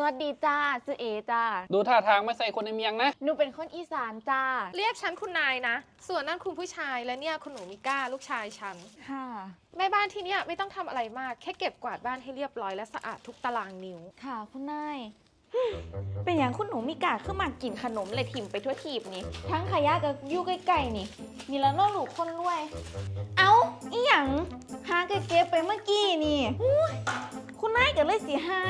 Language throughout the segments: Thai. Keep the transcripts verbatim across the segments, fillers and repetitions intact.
วัสดีจ้าชื่อเอจ้าดูท่าทางไม่ใส่คนในเมียงนะหนูเป็นคนอีสานจ้าเรียกฉันคุณนายนะส่วนนั่นคุณผู้ชายและเนี่ยคุณหนูมิก้าลูกชายฉันค่ะแม่บ้านที่เนี่ยไม่ต้องทำอะไรมากแค่เก็บกวาดบ้านให้เรียบร้อยและสะอาดทุกตารางนิ้วค่ะคุณนายเป็นอย่างคุณหนูมิกาขึ้นมากินขนมเลยถิ่มไปทั่วทีบนี่ทั้งขยะกับยู่ใกล้ๆนี่นี่แล้วน้องหลูกคนรวยเอ้าอีหยังหาเก็บไปเมื่อกี้นี่คุณนายก็เลยสิให้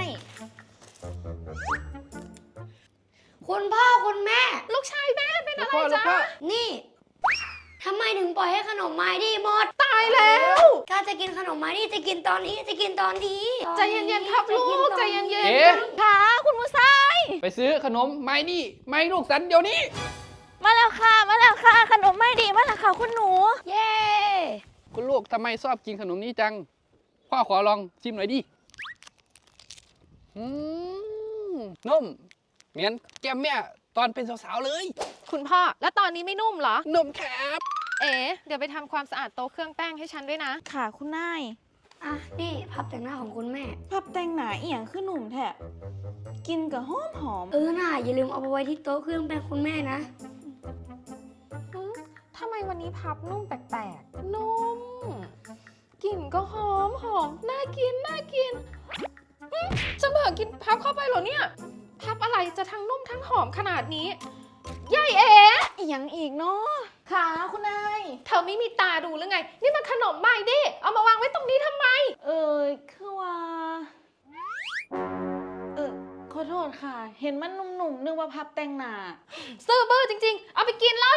คุณพ่อคุณแม่ลูกชายแม่เป็นอะไรจ๊ะนี่ทำไมถึงปล่อยให้ขนมไม้ดีหมดตายแล้วถ้าจะกินขนมไม้ดีจะกินตอนนี้จะกินตอนนี้ใจเย็นๆครับลูกใจเย็นๆเอ๊ะค่ะคุณผู้ชายไปซื้อขนมไม้นี่ไม้ลูกสันเดี๋ยวนี้มาแล้วค่ะมาแล้วค่ะขนมไม่ดีมาแล้วค่ะคุณหนูเย้คุณลูกทำไมชอบกินขนมนี้จังพ่อขอลองชิมหน่อยดิอืมนุ่มเหมือนแก้มแม่ตอนเป็นสาวๆเลยคุณพ่อแล้วตอนนี้ไม่นุ่มเหรอนุ่มครับเอ๋เดี๋ยวไปทำความสะอาดโต๊ะเครื่องแป้งให้ฉันด้วยนะค่ะคุณนายอ่ะนี่พับแต่งหน้าของคุณแม่พับแต่งหนาเอียงขึ้นหนุ่มแทะกินกับหอมหอมเออน่าอย่าลืมเอาไปไว้ที่โต๊ะเครื่องแป้งคุณแม่นะทำไมวันนี้พับนุ่มแปลกๆนุ่มกลิ่นก็หอมหอมน่ากินน่ากินจะเบิกกินพับเข้าไปเหรอเนี่ยพับอะไรจะทั้งนุ่มทั้งหอมขนาดนี้ยายเอ๋อีหยังอีกเนาะค่ะคุณนายเธอไม่มีตาดูหรือไงนี่มันขนมใหม่ดิเอามาวางไว้ตรงนี้ทำไมเออคือว่าเออขอโทษค่ะเห็นมันหนุ่มๆนึกว่าพับแต่งหน้าซื่อบื้อจริงๆเอาไปกินเลย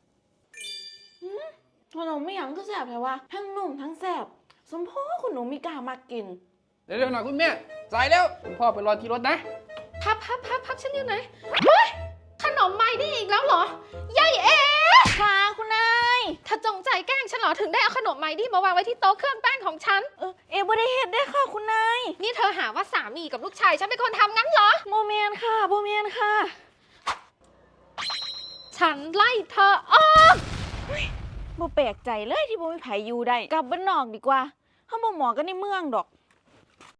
ขนมไม่หยังก็แสบแต่ว่าทั้งนุ่มทั้งแสบสมพ่อคุณหนูมีกล้ามากินเร็วๆหน่อยคุณแม่สายแล้วคุณพ่อไปรอที่รถนะพับพับพับพับฉันอยู่ไหนเฮ้ยขนมใหม่ได้อีกแล้วเหรอยายเอ๋ค่ะคุณนายถ้าจงใจแกล้งฉันเหรอถึงได้เอาขนมใหม่ดิมาวางไว้ที่โต๊ะเครื่องแป้งของฉันเออเอ๋บ่ได้เห็นได้ค่ะคุณนายนี่เธอหาว่าสามีกับลูกชายฉันเป็นคนทำงั้นเหรอโมเมนค่ะโมเมนค่ะฉันไล่เธอออกบ่แปลกใจเลยที่บ่มีไผอยู่ได้กลับบ้านนอกดีกว่าเฮาบ่เหมาะกันในเมืองดอก